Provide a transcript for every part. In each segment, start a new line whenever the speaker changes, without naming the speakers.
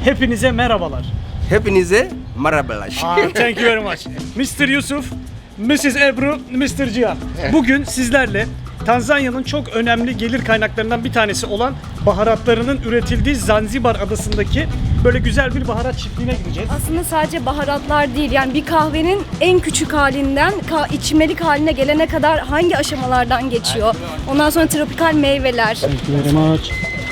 Hepinize merhabalar.
Hepinize merhabalar.
Thank you very much. Mr. Yusuf, Mrs. Ebru, Mr. Cihan. Bugün sizlerle Tanzanya'nın çok önemli gelir kaynaklarından bir tanesi olan baharatlarının üretildiği Zanzibar adasındaki böyle güzel bir baharat çiftliğine gideceğiz.
Aslında sadece baharatlar değil, yani bir kahvenin en küçük halinden içmelik haline gelene kadar hangi aşamalardan geçiyor. Ondan sonra tropikal meyveler.
Thank you very much.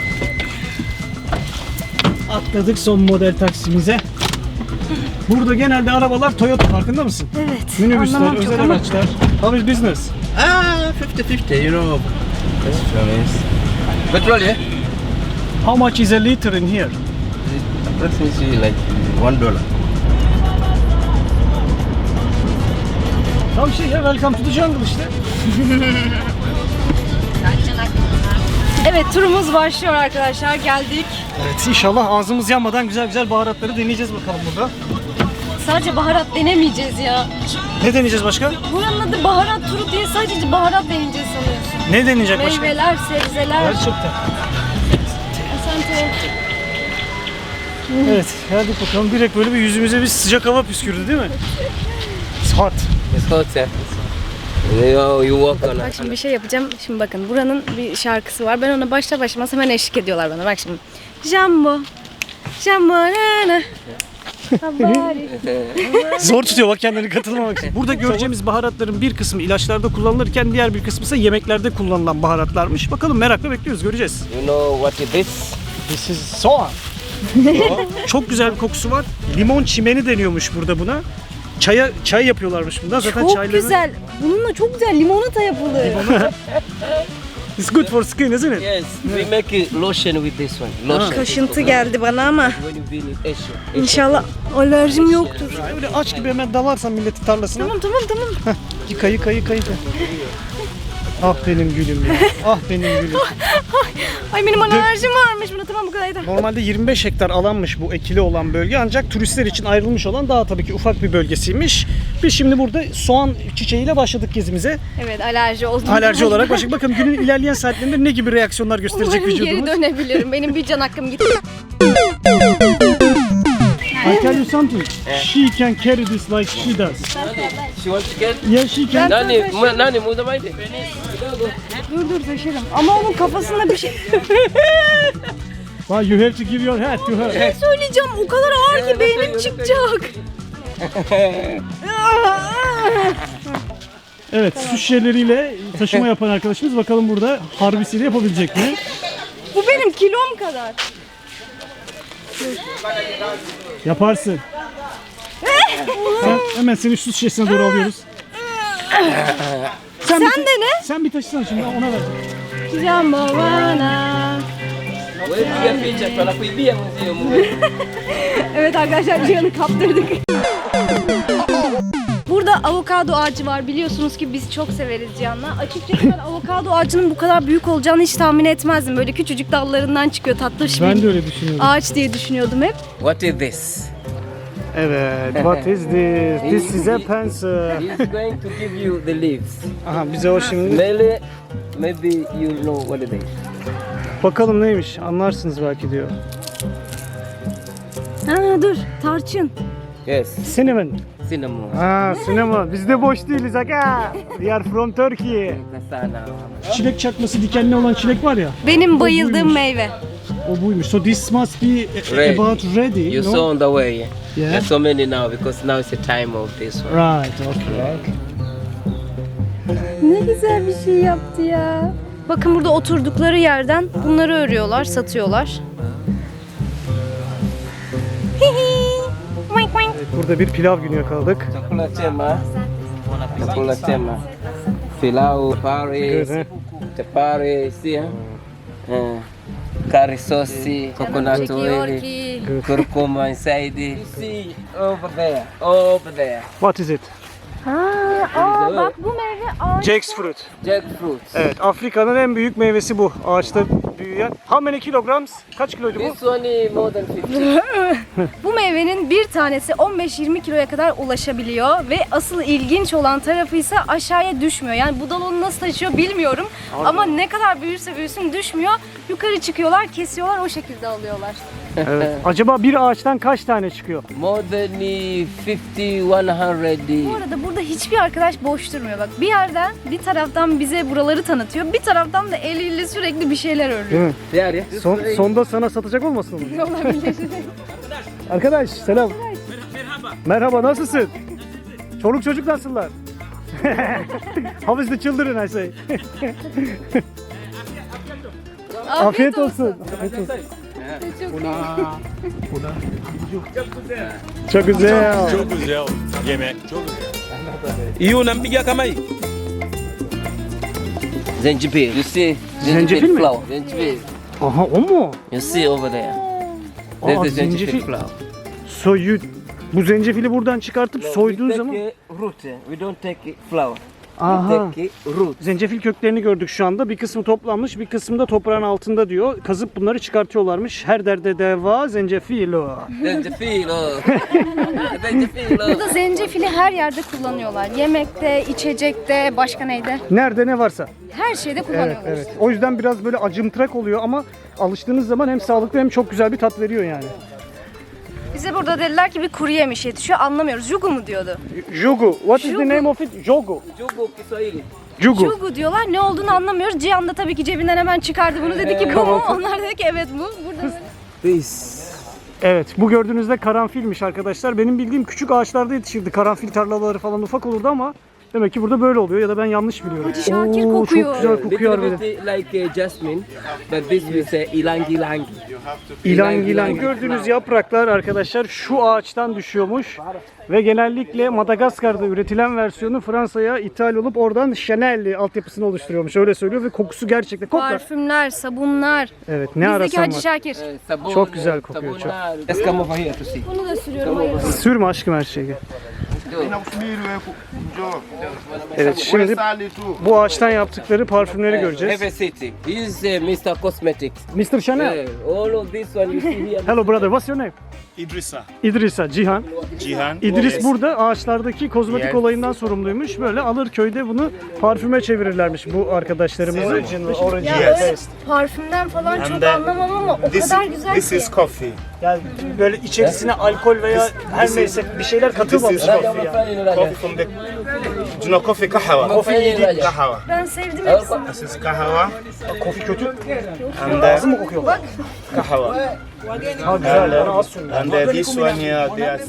Atladık son model taksimize. Burada genelde arabalar Toyota, farkında mısın?
Evet.
Minibüsler,
anlamam çok
özel
ama
araçlar. How is business?
50-50, you know. That's nice. Petrol, yeah?
How much is a liter in here?
Approximately like $1.
Tam şey ya, welcome to the jungle işte.
Evet, turumuz başlıyor arkadaşlar. Geldik.
Evet, inşallah ağzımız yanmadan güzel güzel baharatları deneyeceğiz bakalım burada.
Sadece baharat denemeyeceğiz ya.
Ne deneyeceğiz başka?
Buranın adı baharat turu diye sadece baharat deneyeceğiz sanıyorsun.
Ne deneyecek başka?
Meyveler, sebzeler.
Gerçekten.
Asante.
Evet, geldik bakalım. Direkt böyle bir yüzümüze bir sıcak hava püskürdü değil mi? It's hot.
It's hot, yeah. You walk on
Bak şimdi bir şey yapacağım. Şimdi bakın, buranın bir şarkısı var. Ben ona başta başlamaz hemen eşlik ediyorlar bana. Bak şimdi. Jambo. Jambo nana. Habari.
Zor tutuyor bak kendini, katılmamak için. Burada göreceğimiz baharatların bir kısmı ilaçlarda kullanılırken diğer bir kısmı ise yemeklerde kullanılan baharatlarmış. Bakalım, merakla bekliyoruz, göreceğiz.
You know what is this?
This is soğan. Çok güzel bir kokusu var. Limon çimeni deniyormuş burada buna. Çay yapıyorlarmış bundan. Zaten
Çok
çayları...
güzel. Bununla çok güzel limonata yapılır.
It's good for skin, isn't it?
Yes, we make a lotion with this one. Lotion.
Kaşıntı geldi bana ama
When you been in Asia.
inşallah alerjim yoktur.
Öyle aç gibi hemen dalarsan milletin tarlasına.
Tamam.
Yıka. Ah benim gülüm ya. Ah benim gülüm.
Ay benim alerjim varmış buna, tamam bu kadar yeter.
Normalde 25 hektar alanmış bu ekili olan bölge, ancak turistler için ayrılmış olan daha tabii ki ufak bir bölgesiymiş. Biz şimdi burada soğan çiçeğiyle başladık gezimize.
Evet, alerji oldum.
Alerji olarak başladık. Bakın günün ilerleyen saatlerinde ne gibi reaksiyonlar gösterecek
Umarım geri
vücudumuz.
dönebilirim. Benim bir can hakkım gitti.
I tell you something. She can carry this like she does.
She wants to get.
Yeah, she can.
Nani, move the mic.
Dur taşırım. Ama onun kafasında bir şey...
Well, you have to give your hat to her.
Ne söyleyeceğim? O kadar ağır ki beynim çıkacak.
Evet, su şişeleriyle taşıma yapan arkadaşımız bakalım burada harbisiyle yapabilecek mi?
Bu benim kilom kadar.
Yaparsın. Hemen seni su şişesine doğru alıyoruz. Sen
dene.
Sen bir taşısana şimdi, ona ver.
Jambo bana. Evet arkadaşlar, Cihan'ı kaptırdık. Burada avokado ağacı var. Biliyorsunuz ki biz çok severiz Cihan'la. Açıkçası ben avokado ağacının bu kadar büyük olacağını hiç tahmin etmezdim. Böyle küçücük dallarından çıkıyor, tatlış
Ben
bir
de öyle düşünüyorum.
ağaç diye düşünüyordum hep.
What is this?
Evet, what is this? This is a pencil.
He's going to give you the leaves.
Aha, bize o şimdi.
Maybe you know what it is.
Bakalım neymiş, anlarsınız belki diyor.
Ha dur, tarçın.
Yes,
Cinnamon.
cinnamon.
Ha, cinnamon. Biz de boş değiliz aga. We are from Turkey.
Sana.
Çilek çakması dikenli olan çilek var ya.
Benim bayıldığım
buymuş.
meyve.
O buymuş. So this must be
Red.
about ready,
You
no?
saw on the way.
Yeah.
There's so many now because now is the time of this one.
Right, okay.
Ne güzel bir şey yaptı ya. Bakın burada oturdukları yerden bunları örüyorlar, satıyorlar.
Evet, burada bir pilav günü yakaladık.
Chocolate chema. Pilau, Paris,
Good,
Paris, yeah. Curry sauce, coconut
Çekiyor
oil,
ki.
curcuma inside. You see over there.
What is it?
Bak bu meyve ağacı.
Jackfruit.
Jackfruit.
Evet, Afrika'nın en büyük meyvesi bu. Ağaçta büyüyen. How many kilograms? Kaç kiloydu bu?
This one is more than 50.
Bu meyvenin bir tanesi 15-20 kiloya kadar ulaşabiliyor ve asıl ilginç olan tarafı ise aşağıya düşmüyor. Yani bu dal onu nasıl taşıyor bilmiyorum ama ne kadar büyürse büyüsün düşmüyor. Yukarı çıkıyorlar, kesiyorlar, o şekilde alıyorlar.
Evet. Acaba bir ağaçtan kaç tane çıkıyor?
More than 50, 100.
Bu arada burada hiçbir arkadaş boş durmuyor. Bak bir yerden, bir taraftan bize buraları tanıtıyor. Bir taraftan da eliyle sürekli bir şeyler örüyor.
Değil mi?
There, yeah.
Sonda sana satacak olmasın mı?
Olabilir.
Arkadaş selam. Merhaba nasılsın? Çoluk çocuk nasıllar? How is the children I say? Afiyet olsun. Afiyet olsun. Çok güzel.
Çok güzel yemek. Çok güzel. İyi unampiga kama hii.
Zengibil. You see?
Zengibil mi?
flower. Zengibil.
Aha o mu?
You see over there.
Aa,
That's the zengibil
zencefil.
flower.
Soyu bu zencefili buradan çıkartıp soyduğun
we
zaman
take root. We don't take flower.
aha.
We take root.
Zencefil köklerini gördük şu anda. Bir kısmı toplanmış, bir kısmı da toprağın altında diyor. Kazıp bunları çıkartıyorlarmış. Her derde deva zencefil o.
Zengibil. Zengibil.
Burada zencefili her yerde kullanıyorlar. Yemekte, içecekte, başka neyde?
Nerede ne varsa.
Her şeyde
Evet,
kullanıyorlar.
evet. O yüzden biraz böyle acımtırak oluyor ama alıştığınız zaman hem sağlıklı hem çok güzel bir tat veriyor yani.
Bize burada dediler ki bir kuru yemiş yetişiyor. Anlamıyoruz. Jugu mu diyordu?
Jugu. What is the
Jugu.
name of it? Jogu.
Jugo Kiswahili.
Jugu.
Jugu diyorlar. Ne olduğunu anlamıyoruz. Cihan da tabii ki cebinden hemen çıkardı bunu. Dedi ki bu mu? Onlar dedi ki evet bu. Burada
This.
Evet, bu gördüğünüzde karanfilmiş arkadaşlar. Benim bildiğim küçük ağaçlarda yetişirdi. Karanfil tarlaları falan ufak olurdu ama demek ki burada böyle oluyor ya da ben yanlış biliyorum.
Hacı Şakir
Oo,
kokuyor.
Çok güzel kokuyor
Little
harbiden.
bit like jasmine, but this we say ilangi ilangi.
İlan ilan. Gördüğünüz yapraklar arkadaşlar şu ağaçtan düşüyormuş. Ve genellikle Madagaskar'da üretilen versiyonu Fransa'ya ithal olup oradan Chanel altyapısını oluşturuyormuş. Öyle söylüyor ve kokusu gerçekten koklar.
Parfümler, sabunlar.
Evet ne
Bizdeki
arasan
Hacı
var.
Şakir.
Sabun,
Çok güzel kokuyor, çok.
sabunlar. Let's come over here to see.
Bunu da sürüyorum. Hayır.
Sürme aşkım her şeyi. Evet şimdi bu ağaçtan yaptıkları parfümleri göreceğiz.
Have a city. This is Mr. Cosmetics.
Mr. Chanel.
Yeah, all of this one you see here.
Hello brother, what's your name?
İdrisa.
İdrisa, Cihan.
Cihan.
İdris burada ağaçlardaki kozmetik olayından sorumluymuş. Böyle alır köyde bunu parfüme çevirirlermiş bu arkadaşlarımızı.
Ya öyle parfümden falan çok anlamam ama o kadar güzel
This
ki.
is coffee.
Yani böyle içerisine alkol veya her neyse bir şeyler katılmamış
This is
coffee yani.
Coffee from the. Do you know coffee kahwa? Kahwa.
Ben sevdim hepsini.
This is kahwa
Coffee kötü.
and
Ağzı mı kokuyor?
kahwa.
Ha güzel, bana az sürün.
And this one here, they are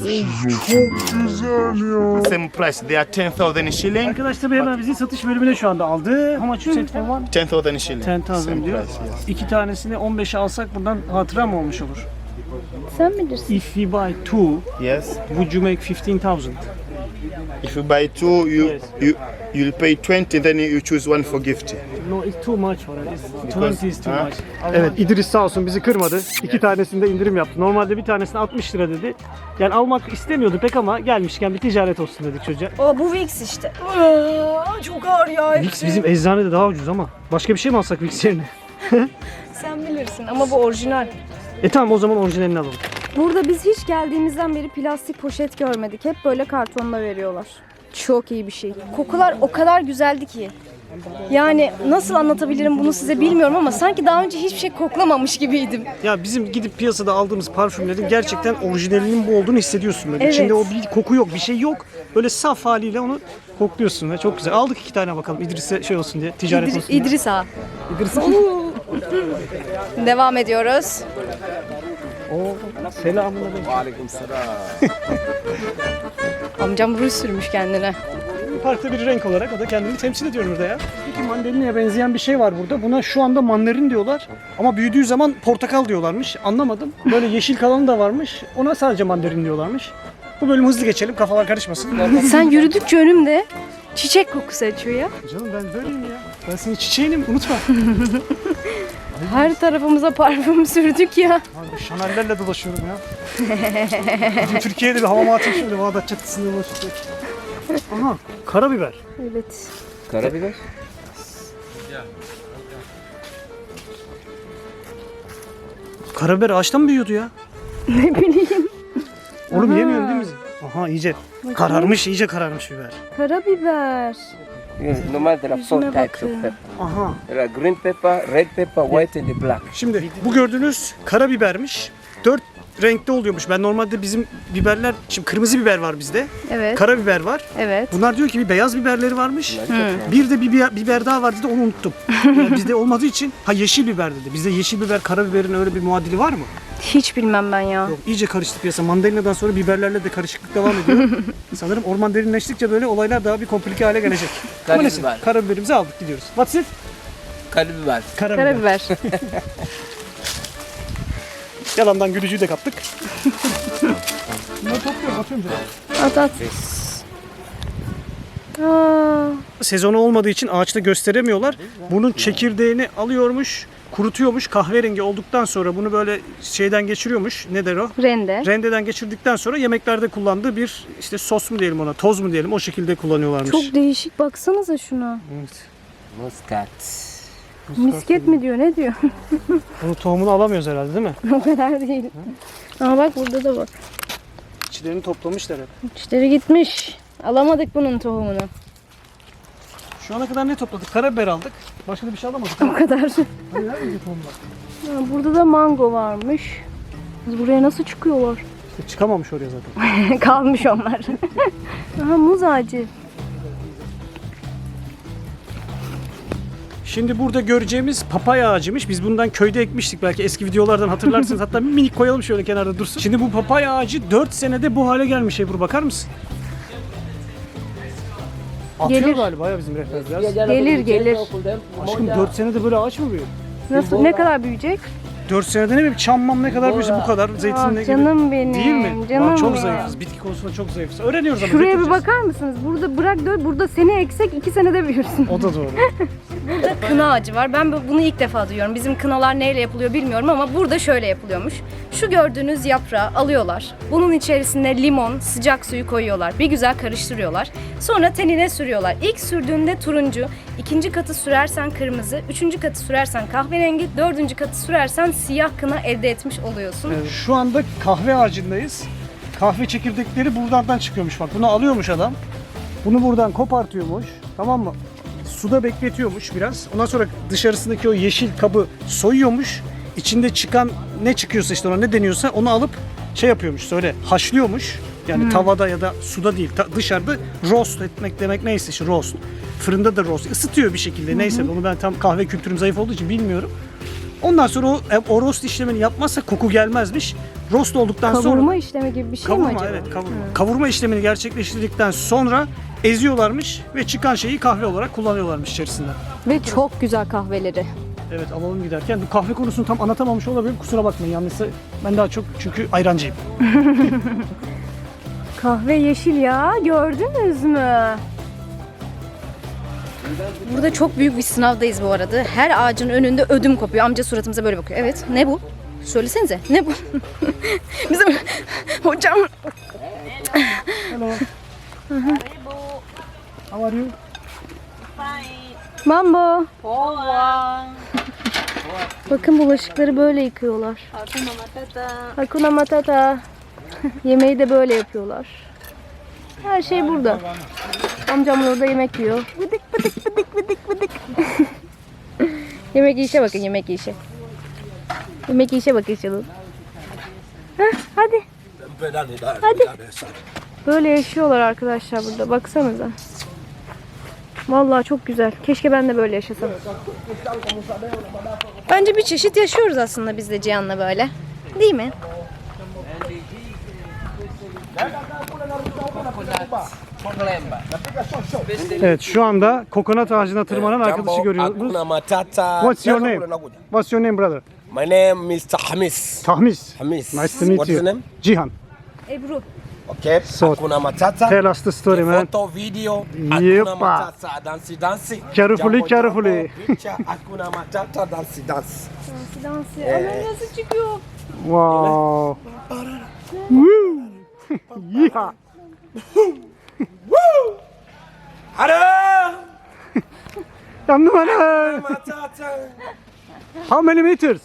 same price. They are 10,000 shilling.
Arkadaş tabii hemen bizi satış bölümüne şu anda aldı. How much you said for one?
10,000 shilling.
10,000
Same
diyor.
price, yes.
İki tanesini 15'e alsak buradan hatıra mı olmuş olur?
Sen bilirsin.
If we buy two,
Yes.
would you make 15,000?
If you buy two,
Yes.
you'll pay 20. Then you choose one for gift.
No, it's too much for us. 20 is too
Ha?
much. Evet, İdris sağ olsun bizi kırmadı. İki tanesinde indirim yaptı. Normalde bir tanesine 60 lira dedi. Yani almak istemiyordu pek ama gelmişken bir ticaret olsun dedik çocuğa.
O bu Vicks işte. Çok ağır ya.
Vicks bizim eczanede daha ucuz ama. Başka bir şey mi alsak Vicks yerine?
Sen bilirsin ama bu orijinal.
Tamam o zaman orijinalini alalım.
Burada biz hiç geldiğimizden beri plastik poşet görmedik. Hep böyle kartonla veriyorlar. Çok iyi bir şey. Kokular o kadar güzeldi ki. Yani nasıl anlatabilirim bunu size bilmiyorum ama sanki daha önce hiçbir şey koklamamış gibiydim.
Ya bizim gidip piyasada aldığımız parfümlerin gerçekten orijinalinin bu olduğunu hissediyorsun böyle.
Evet.
İçinde o bir koku yok, bir şey yok. Böyle saf haliyle onu kokluyorsun ve çok güzel. Aldık iki tane bakalım İdris'e şey olsun diye, ticaret olsun diye.
İdris Ağa.
İdris.
Devam ediyoruz.
Selamünaleyküm.
Amcam ruj sürmüş kendine.
Farklı bir renk olarak o da kendini temsil ediyor burada ya. Peki mandalinaya benzeyen bir şey var burada. Buna şu anda mandalin diyorlar. Ama büyüdüğü zaman portakal diyorlarmış. Anlamadım. Böyle yeşil kalanı da varmış. Ona sadece mandalin diyorlarmış. Bu bölümü hızlı geçelim. Kafalar karışmasın.
Sen yürüdükçe önümde çiçek kokusu açıyor ya.
Canım ben böyleyim ya. Ben senin çiçeğinim. Unutma.
Her tarafımıza parfüm sürdük ya.
Abi Chanel'lerle dolaşıyorum ya. Bugün Türkiye'de bir hava atayım şöyle Bağdat Caddesi'nde dolaşacak. Aha karabiber.
Evet.
Karabiber?
Karabiber ağaçtan mı büyüyordu ya?
Ne bileyim.
Oğlum yemiyorsun değil mi? Aha iyice kararmış, iyice kararmış biber.
Karabiber.
Yes, normal there are four
Yüzüne
types
bakın.
of pepper.
Aha.
There are green pepper, red pepper, white and the black.
Şimdi bu gördüğünüz karabibermiş. 4 renkte oluyormuş. Ben normalde bizim biberler, şimdi kırmızı biber var bizde.
Evet.
Karabiber var.
Evet.
Bunlar diyor ki bir beyaz biberleri varmış. Bir de bir biber daha var dedi, onu unuttum. Yani bizde olmadığı için yeşil biber dedi. Bizde yeşil biber karabiberin öyle bir muadili var mı?
Hiç bilmem ben ya.
Yok, iyice karıştı piyasa. Mandalinadan sonra biberlerle de karışıklık devam ediyor. Sanırım orman derinleştikçe böyle olaylar daha bir komplike hale gelecek. Ama neyse,
Karabiber.
karabiberimizi aldık, gidiyoruz. What's it?
Karabiber.
Karabiber.
Yalandan gülücüğü de kaptık. Bunları topluyorum, atıyorum canım.
At at. Aa,
Sezonu olmadığı için ağaçta gösteremiyorlar. Bunun çekirdeğini alıyormuş, kurutuyormuş. Kahverengi olduktan sonra bunu böyle şeyden geçiriyormuş. Ne der o?
rende.
Rendeden geçirdikten sonra yemeklerde kullandığı bir işte sos mu diyelim ona, toz mu diyelim, o şekilde kullanıyorlarmış.
Çok değişik, baksanıza şuna.
Evet.
Muskat.
Misket mi diyor, ne diyor?
Bunu tohumunu alamıyoruz herhalde değil mi?
O kadar değil. Ama bak burada da var.
İçlerini toplamışlar hep.
İçleri gitmiş. Alamadık bunun tohumunu.
Şu ana kadar ne topladık? Karabiber aldık. Başka da bir şey alamadık.
O kadar.
Hani nerede tohumlar?
Ha, burada da mango varmış. Biz buraya nasıl çıkıyorlar?
İşte çıkamamış oraya zaten.
Kalmış onlar. Aha, muz ağacı.
Şimdi burada göreceğimiz papaya ağacıymış. Biz bundan köyde ekmiştik, belki eski videolardan hatırlarsınız. Hatta bir minik koyalım şöyle kenarda dursun. Şimdi bu papaya ağacı 4 senede bu hale gelmiş Ebru, bakar mısın? Atıyor
Gelir.
galiba ya bizim rehber biraz.
Gelir.
Aşkım 4 senede böyle ağaç mı büyüyor?
Nasıl, ne kadar büyüyecek?
4 senede ne bileyim, çammam ne kadar büyüse bu kadar zeytinle gibi.
Canım benim.
Değil mi?
Canım
Çok
benim.
zayıfız. Bitki konusunda çok zayıfız. Öğreniyoruz ama.
Şuraya bir
götüreceğiz.
bakar mısınız? Burada bırak dön. Burada seni eksek 2 senede büyürsün.
O da doğru.
Kına ağacı var. Ben bunu ilk defa duyuyorum. Bizim kınalar neyle yapılıyor bilmiyorum ama burada şöyle yapılıyormuş. Şu gördüğünüz yaprağı alıyorlar. Bunun içerisine limon, sıcak suyu koyuyorlar. Bir güzel karıştırıyorlar. Sonra tenine sürüyorlar. İlk sürdüğünde turuncu, ikinci katı sürersen kırmızı, üçüncü katı sürersen kahverengi, dördüncü katı sürersen siyah kına elde etmiş oluyorsun.
Şu anda kahve ağacındayız. Kahve çekirdekleri buradan çıkıyormuş bak. Bunu alıyormuş adam. Bunu buradan kopartıyormuş. Tamam mı? Suda bekletiyormuş biraz. Ondan sonra dışarısındaki o yeşil kabı soyuyormuş. İçinde çıkan ne çıkıyorsa, işte ona ne deniyorsa onu alıp şey yapıyormuş, söyle, haşlıyormuş. Yani tavada ya da suda değil, dışarıda roast etmek demek neyse, işte roast. Fırında da roast ısıtıyor bir şekilde, neyse, onu ben tam kahve kültürüm zayıf olduğu için bilmiyorum. Ondan sonra o roast işlemini yapmazsa koku gelmezmiş. Roast olduktan sonra
Kavurma işlemi gibi bir şey mi
kavurma,
acaba?
evet, kavurma. Kavurma işlemini gerçekleştirdikten sonra eziyorlarmış ve çıkan şeyi kahve olarak kullanıyorlarmış içerisinde.
Ve çok güzel kahveleri.
Evet, alalım giderken. Bu kahve konusunu tam anlatamamış olabilirim. Kusura bakmayın, yanlışsa ben daha çok çünkü ayrancıyım.
Kahve yeşil ya, gördünüz mü? Burada çok büyük bir sınavdayız bu arada. Her ağacın önünde ödüm kopuyor. Amca suratımıza böyle bakıyor. Evet, ne bu? Söylesenize, ne bu? Bizim hocam.
Hello. How are you?
Mambo. Bakın bulaşıkları böyle yıkıyorlar. Hakuna Matata. Yemeği de böyle yapıyorlar. Her şey burada. Amcam orada yemek yiyor. Bıdık bıdık bıdık bıdık bıdık. Yemek yiyişe bakın, yemek yiyişe. Yemek yiyişe bakın şunu. Hadi. Hadi. Böyle yaşıyorlar arkadaşlar burada. Baksanıza. Vallahi çok güzel. Keşke ben de böyle yaşasam. Bence bir çeşit yaşıyoruz aslında biz de Cihan'la böyle. Değil mi?
Evet, şu anda kokonat ağacına tırmanan arkadaşı görüyoruz.
Hakuna Matata.
What's your name? What's your name, brother?
My name Mr. Hamis.
Tahmis.
Hamis.
Nice to meet
What's
you.
your name?
Cihan.
Ebru.
Okay.
So,
Hakuna Matata.
Tell us the story, man.
Photo, video.
Yepa.
Hakuna Matata. Dansi, dansi.
Carefully,
Jambo,
carefully.
jambo, picture. Hakuna Matata. Dansi, dansi.
Dansı. Ama nasıl çıkıyor?
Wow. Woo. Yeehaw.
Hara.
Yandım ana.
Matata.
How many meters?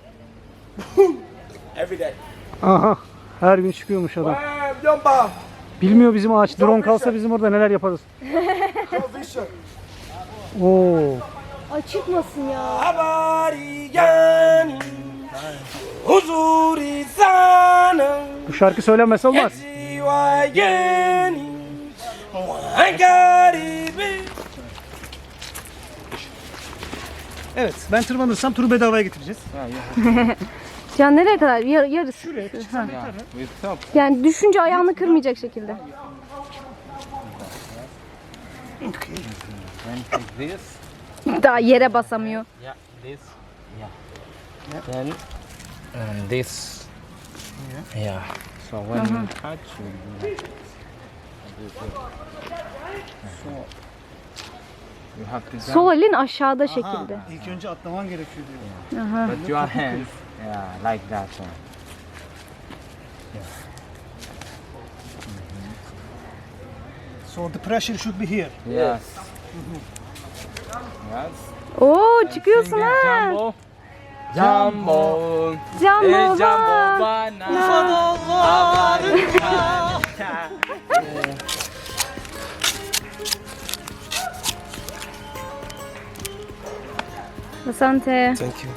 Every day.
Aha. Her gün çıkıyormuş adam.
Jumba.
Bilmiyor bizim ağaç. Drone kalsa bizim orada neler yaparız.
Vision.
Oo.
Ay çıkmasın ya.
Abari yani. Huzuri sana.
Bu şarkı söylenmese olmaz.
Ziwayeni. Muhankaribi.
Evet, ben tırmanırsam turu bedavaya getireceğiz.
Can nereye kadar? Yarısı.
Şuraya
Ha.
With top.
Yani düşünce ayağını kırmayacak şekilde.
And take this.
Daha yere basamıyor.
Yeah, this. Yeah. Then this. Yeah. So when you touch, you have to jump.
Sol elin aşağıda şekilde.
İlk önce atlaman gerekiyor diyor.
But your hands, yeah, like that one.
So the pressure should be here.
Yes. Yes.
Oo çıkıyorsun ha.
Jumbo. Jumbo.
Jumbo
Jumbo
bak.
bana.
Asante.
Thank you.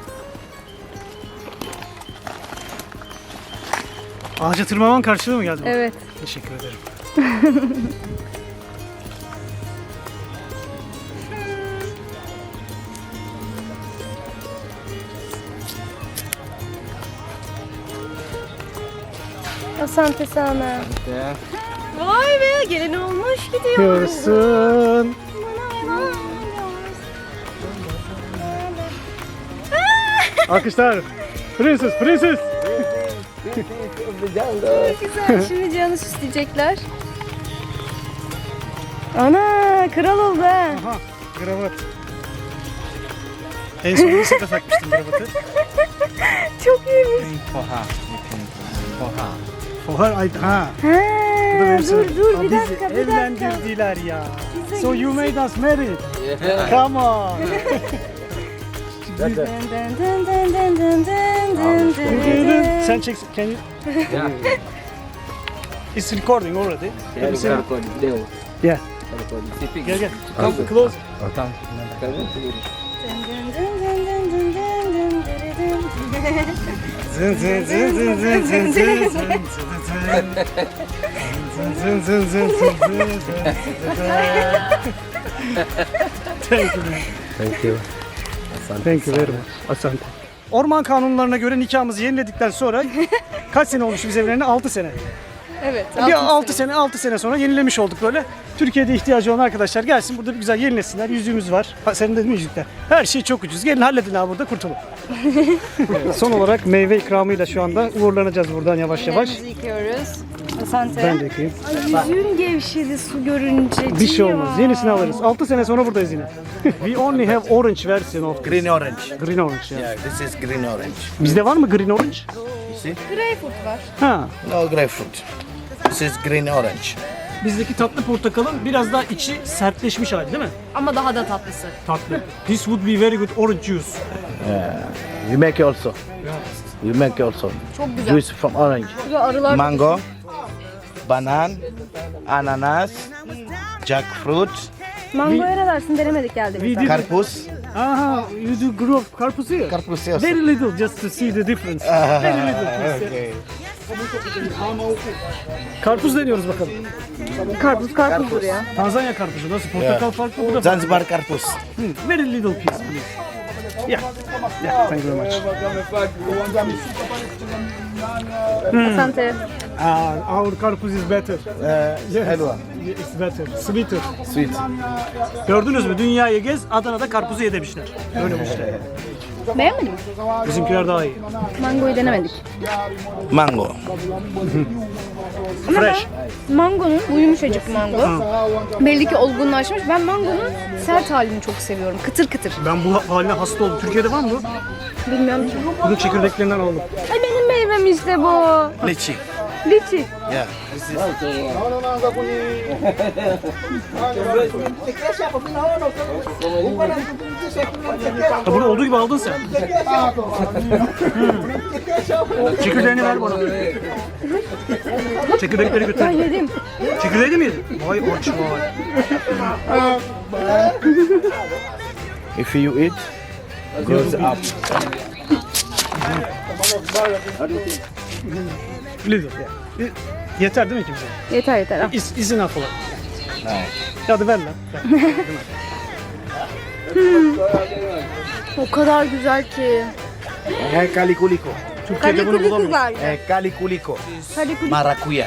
Ağaca tırmanman karşılığı mı geldi?
Evet.
Teşekkür ederim.
Asante sana.
Yeah.
Vay be gelin olmuş gidiyor.
Görsün. Alkışlar. Prenses, prenses.
Güzel. Şimdi Cihan'ı süsleyecekler. Ana kral oldu ha.
Aha, kravat. En son lisede takmıştım kravatı.
Çok iyiymiş.
For her. You can for her.
Oha, ay, ha.
Ha, dur
Aa,
bir
bizi
dakika bir dakika.
evlendirdiler ya.
Bize
So you made us married. Come on.
Dın dın dın dın dın dın dın dın.
Sen çek. Can you?
Yeah.
It's recording already.
Yeah,
Have you seen it?
Leo.
Yeah.
Sipik.
Gel gel. Come close.
Come.
Zın zın zın zın zın zın zın zın zın zın zın zın zın. Thank you.
Thank you.
Thank you very much. Asante. Orman kanunlarına göre nikahımızı yeniledikten sonra kaç sene olmuş biz evlenene? 6 sene.
Evet.
Bir 6 sene sonra yenilemiş olduk böyle. Türkiye'de ihtiyacı olan arkadaşlar gelsin burada bir güzel yenilesinler. Yüzüğümüz var. Ha, senin de değil mi yüzükler? Her şey çok ucuz. Gelin halledin abi burada kurtulun. Son olarak meyve ikramıyla şu anda uğurlanacağız buradan yavaş yavaş.
Ellerimizi yıkıyoruz. Asante.
Ben de yıkayayım.
Ay, yüzüğüm gevşedi su görünce.
Bir şey olmaz. Yenisini alırız. 6 sene sonra buradayız yine. We only have orange version of
Green orange.
green orange. Yani.
Yeah, this is green orange.
Bizde var mı green orange?
You see?
Greyfurt var.
Ha.
No grapefruit. This is green orange.
Bizdeki tatlı portakalın biraz daha içi sertleşmiş hali değil mi?
Ama daha da tatlısı.
Tatlı. This would be very good orange juice.
You make also. You make also.
Çok güzel.
Juice from orange.
Burada arılar
Mango, banan, ananas, jackfruit,
Mangoya ne dersin denemedik geldi
We
bir
did.
karpuz.
Aha, you do grow up karpuz here?
Karpuz also.
Very little just to see the difference. Very little.
Okay.
Karpuz deniyoruz bakalım.
Karpuzdur ya.
Tanzanya karpuzu nasıl? Portakal farklı, bu da farklı.
Zanzibar karpuz.
Very little piece please. Yeah. Yeah, thank you very much.
Asante.
Our karpuz is better. Yes.
Helva.
It's better. Sweeter.
Sweet.
Gördünüz mü? Dünyayı gez, Adana'da karpuzu ye demişler. Öyle bu işte.
Beğenmedin mi?
Bizimkiler daha iyi.
Mangoyu denemedik.
Mango.
Ama
Fresh.
ben mangonun, bu yumuşacık mango. Belli ki olgunlaşmış. Ben mangonun sert halini çok seviyorum. Kıtır kıtır.
Ben bu haline hasta oldum. Türkiye'de var mı bu?
Bilmiyorum ki.
Bunun çekirdeklerinden aldım.
Ay benim meyvem işte bu.
Lychee.
Liçi.
Yeah. This is
Ha, bunu olduğu gibi aldın sen. Çekirdeğini ver bana. Çekirdekleri
Ben
götür.
yedim.
Çekirdeği de mi yedin? Vay aç vay.
if you eat, goes up.
Little, yeah. Yeter değil mi kimse?
Yeter yeter. Al.
İzin af olan. Hadi ver lan.
O kadar güzel ki.
Calikuliko.
Türkiye'de bunu bulamıyorum.
Kalikulikler.
Calikuliko.
Kalikulik.
Maracuya.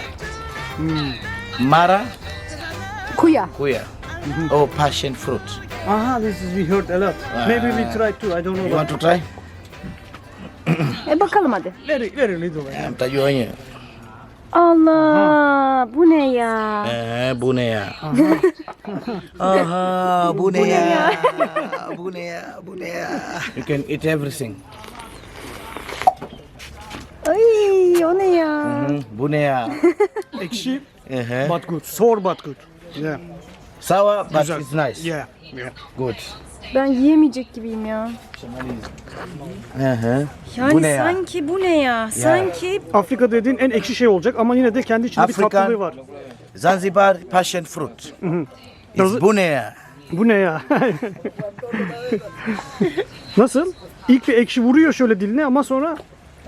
Mara
Kuya.
kuya. Oh, passion fruit.
Aha, this is we heard a lot. Maybe we try too. I don't know.
You want to try?
Bakalım hadi.
Very little.
Tayo niya.
Allah, bu ne ya?
Bu ne ya? Aha, bu ne ya? Bu ne ya? Bu ne ya? You can eat everything.
Ay, o ne ya?
Bu ne ya?
Ekşi,
Uh-huh.
but good. Sour but good. Yeah.
Sour, but
Güzel.
it's nice.
Yeah.
Good.
Ben yiyemeyecek gibiyim ya.
Uh-huh.
Yani
Bu ne ya?
sanki bu ne ya? Sanki
Afrika dediğin en ekşi şey olacak ama yine de kendi içinde bir
Afrika.
tatlılığı var.
Zanzibar passion fruit.
Does
It's bu ne ya?
Bu ne ya? Nasıl? İlk bir ekşi vuruyor şöyle diline ama sonra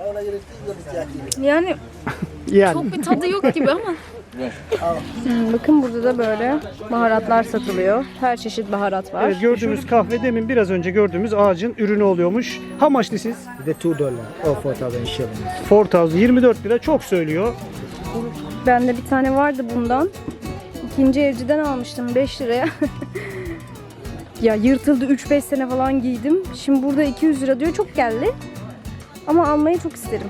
yani
yani.
çok bir tadı yok gibi ama. Bakın burada da böyle baharatlar satılıyor. Her çeşit baharat var.
Evet, gördüğümüz kahve demin biraz önce gördüğümüz ağacın ürünü oluyormuş. How much this is?
The $2 or 4,000 shillings.
4,000, 24 lira çok söylüyor.
Bende bir tane vardı bundan. İkinci evciden almıştım 5 liraya. Ya yırtıldı, 3-5 sene falan giydim. Şimdi burada 200 lira diyor, çok geldi. Ama almayı çok isterim.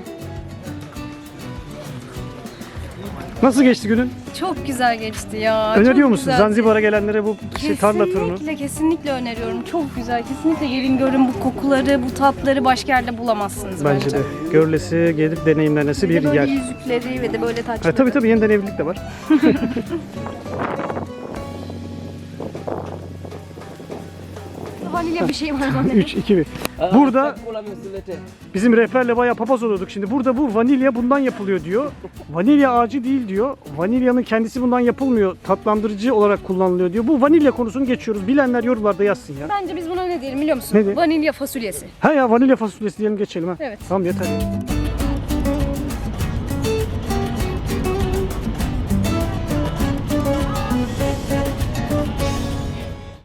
Nasıl geçti günün?
Çok güzel geçti ya.
Öneriyor
çok
musun
güzeldi.
Zanzibar'a gelenlere bu tarla turunu?
Kesinlikle öneriyorum. Çok güzel. Kesinlikle gelin görün, bu kokuları, bu tatları başka yerde bulamazsınız bence.
Bence de. Görülesi, gelip deneyimlenesi
Bir
bir
de böyle
yer.
yüzükleri ve de böyle taçları.
Tabii yeniden evlilik de var.
Vanilya bir şey var bana.
3, 2, 1. Burada bizim rehberle bayağı papaz oluyorduk şimdi. Burada bu vanilya bundan yapılıyor diyor. Vanilya ağacı değil diyor. Vanilyanın kendisi bundan yapılmıyor. Tatlandırıcı olarak kullanılıyor diyor. Bu vanilya konusunu geçiyoruz. Bilenler yorumlarda yazsın ya.
Bence biz buna ne diyelim biliyor musun?
Ne diyelim?
Vanilya fasulyesi.
Ha ya vanilya fasulyesi diyelim geçelim ha.
Evet.
Tamam yeter.